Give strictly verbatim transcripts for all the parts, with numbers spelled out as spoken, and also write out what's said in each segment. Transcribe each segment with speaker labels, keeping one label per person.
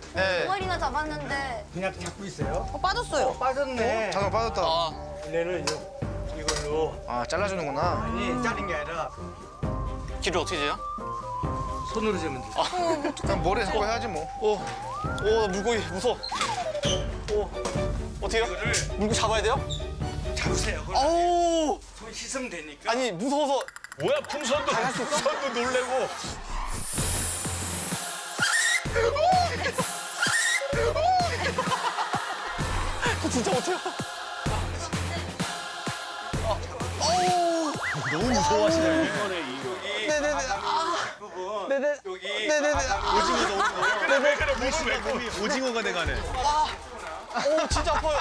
Speaker 1: 네.
Speaker 2: 두 마리나 잡았는데.
Speaker 3: 그냥 잡고 있어요.
Speaker 2: 어, 빠졌어요.
Speaker 3: 빠졌네.
Speaker 1: 잠깐 빠졌다.
Speaker 4: 아,
Speaker 3: 얘는 이제 이걸로
Speaker 1: 아, 잘라주는구나.
Speaker 3: 아니 자른 게 아니라
Speaker 4: 길을 어떻게 재요?
Speaker 3: 손으로 재면 돼.
Speaker 1: 그냥 머리에 잡고 해야지 뭐.
Speaker 4: 오, 오, 물고기 무서워. 오, 어떻게요? 물고 잡아야 돼요?
Speaker 3: 잡으세요. 그걸
Speaker 4: 아우,
Speaker 3: 손 씻으면 되니까.
Speaker 4: 아니 무서워서.
Speaker 5: 뭐야 풍선도 풍선도 놀래고.
Speaker 4: 저 진짜 못해요.
Speaker 5: 너무 무서워하시네.
Speaker 4: 네네네. 아,
Speaker 3: 부분
Speaker 4: 네네.
Speaker 3: 여기
Speaker 4: 네네네.
Speaker 5: 오징어 너무 무서워. 그래 왜 그래 몸이 왜 몸이 오징어가 돼가네.
Speaker 4: 오, 진짜 아파요.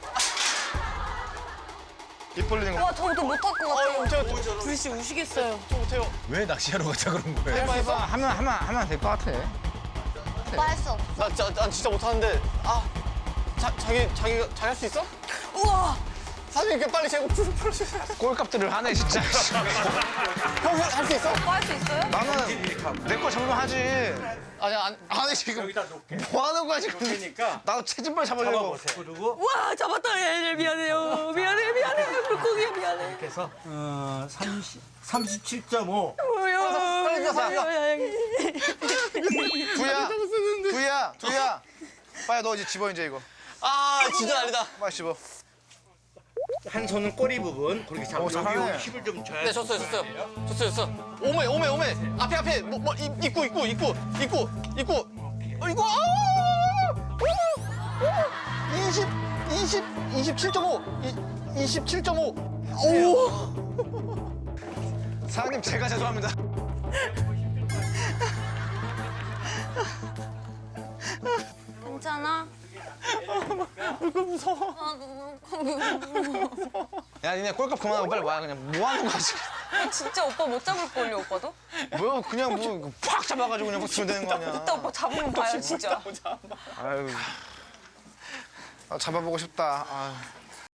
Speaker 1: 입 벌리는 거.
Speaker 2: 와, 저도 못할 것 같아요.
Speaker 4: 아유, 제가
Speaker 2: 불씨 우시겠어요.
Speaker 4: 저 못해요.
Speaker 5: 왜 낚시하러 가자 그런 거예요?
Speaker 4: 해봐, 해봐.
Speaker 1: 하면, 하면, 하면 될 것 같아.
Speaker 2: 오빠 할 수 없어.
Speaker 4: 나, 나, 난 진짜 못하는데. 아, 자, 자기, 자기가, 자기 할 수 있어?
Speaker 2: 우와!
Speaker 4: 사장님, 이렇게 빨리 재고 풀, 풀어주세요.
Speaker 1: 꼴값들을 하네, 진짜.
Speaker 4: 형, 할 수 있어?
Speaker 2: 오빠 할 수 있어요?
Speaker 1: 나는 내 거 잡으면 하지.
Speaker 4: 아니, 안,
Speaker 1: 아니, 지금
Speaker 3: 여기다 놓게.
Speaker 1: 뭐 하는 거야, 지금.
Speaker 3: 그러니까
Speaker 1: 나도 체진발 잡으려고.
Speaker 3: 잡아보세요. 그리고
Speaker 2: 우와, 잡았다. 얘, 미안해요. 미안해, 미안해. 물고기야, 미안해.
Speaker 3: 이렇게 해서 어, 삼십, 삼십칠 점 오.
Speaker 2: 뭐야.
Speaker 4: 빨리 줘서, 빨리 줘.
Speaker 1: 두야, 두야, 두야. 빨리 너 이제 집어, 이제 이거.
Speaker 4: 아, 진짜 난리다.
Speaker 1: 빨리 집어.
Speaker 3: 한 손은 꼬리 부분 그렇게 잡고
Speaker 1: 어, 잘하네.
Speaker 3: 여기 힘을 좀 줘야
Speaker 4: 네, 줬어요, 줬어요. 줬어요, 줬어요. 오메, 오메, 오메. 앞에, 앞에. 뭐, 뭐, 입- 입구, 입구, 입구, 입구, 입구. 어, 이거, 아! 이십, 이십, 이십칠 점 오. 이십칠 점 오. 오!
Speaker 1: 사장님, 제가 죄송합니다.
Speaker 2: 괜찮아?
Speaker 4: 이거 무서워.
Speaker 2: 아, 너무
Speaker 1: 야, 니네 꼴값 그만하고 빨리 와. 그냥 뭐 하는 거야, 지금.
Speaker 2: 진짜 오빠 못 잡을걸요, 오빠도?
Speaker 1: 뭐, 그냥 뭐, 팍 잡아가지고 그냥 막 주면 되는 거 아니야.
Speaker 2: 이따 오빠 잡으면 봐요, 진짜.
Speaker 1: 아유. 아, 잡아보고 싶다. 아.